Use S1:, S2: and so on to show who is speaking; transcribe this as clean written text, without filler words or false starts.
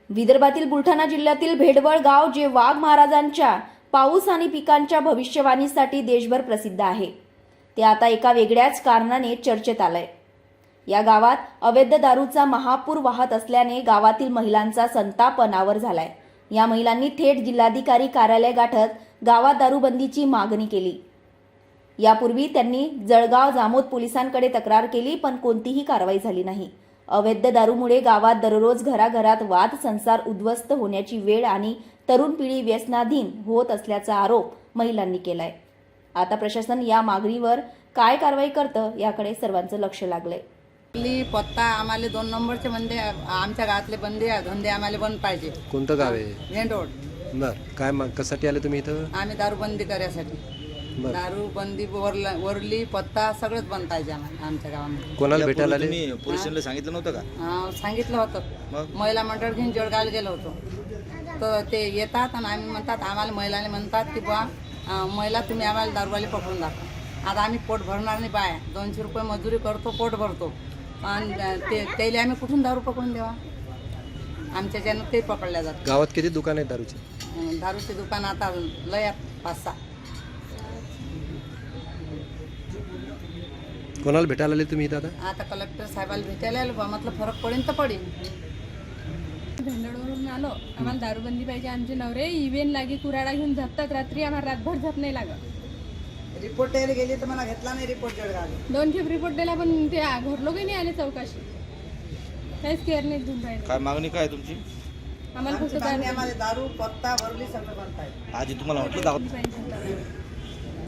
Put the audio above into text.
S1: विदर्भातील बुलढाणा जिल्ह्यातील भेडवळ गाव जे वाघ महाराजांच्या पाऊस आणि पिकांच्या भविष्यवाणीसाठी देशभर प्रसिद्ध आहे, ते आता एका वेगळ्याच कारणाने चर्चेत आलंय। या गावात अवैध दारूचा महापूर वाहत असल्याने गावातील महिलांचा संताप अनावर झालाय। या महिलांनी थेट जिल्हाधिकारी कार्यालय गाठत गावात दारूबंदीची मागणी केली। यापूर्वी त्यांनी जळगाव जामोद पोलिसांकडे तक्रार केली, पण कोणतीही कारवाई झाली नाही। अवैध दारूमुळे गावात दररोज घराघरात वाद संसार उद्ध्वस्त होण्याची वेळ आणि तरुण पिढी व्यसनाधीन होत असल्याचा आरोप महिलांनी केलाय। आता प्रशासन या मागणीवर काय कारवाई करतं याकडे सर्वांचं लक्ष लागलंय।
S2: पत्ता आम्हाला 2 नंबरचे बंदे, आमच्या गावातले बंदे धंदे आम्हाला बंद पाहिजे।
S3: कोणतं गाव आहे?
S2: Main road.
S3: बर, काय मग कशासाठी आले तुम्ही इथं?
S2: आम्ही दारूबंदी करायसाठी। दारूबंदी वरली पत्ता सगळंच बंद पाहिजे आमच्या गावामध्ये।
S3: कोणाला भेटायला आले?
S4: तुम्ही पोलीस स्टेशनला सांगितलं नव्हतं का?
S2: सांगितलं होतं। महिला मंडळ घेऊन जळगावला गेलो होतो, तर ते येतात आणि आम्ही म्हणतात, आम्हाला महिलाने म्हणतात की बा महिला तुम्ही आम्हाला दारूवाले पकडून दाखवा। आता आम्ही पोट भरणार नाही, बाय 200 रुपये मजुरी करतो, पोट भरतो, आणि त्याला आम्ही कुठून दारू पकडून देवा? आमच्या ज्यानं ते पकडल्या जातात।
S3: गावात किती दुकान आहेत दारूचे?
S2: दारूचे दुकान आता लय 5-6।
S3: कोणाला भेटायला आले तुम्ही इथं?
S2: आता कलेक्टर साहेबाला भेटायला आलो, बा म्हटलं फरक पडेल तर पडेल।
S5: भेंडवळवरून आलो, आम्हाला दारूबंदी पाहिजे। आमचे नवरे इव्हेन लागे कुराडा घेऊन झपतात, रात्री आम्हाला रातभर झप नाही लागत।
S2: रिपोर्ट द्यायला गेली तर मला घेतला नाही रिपोर्ट जळगाव।
S5: 2 खेप रिपोर्ट दिला, पण ते घर लोक नाही आले चौकाशी, काहीच केअर नाही घेऊन राहिले।
S4: काय मागणी काय तुमची?
S5: आम्हाला फक्त
S2: आम्हाला दारू पत्ता भरली सगळं बंद पाहिजे।
S4: आजी तुम्हाला म्हटलं
S5: पाहिजे।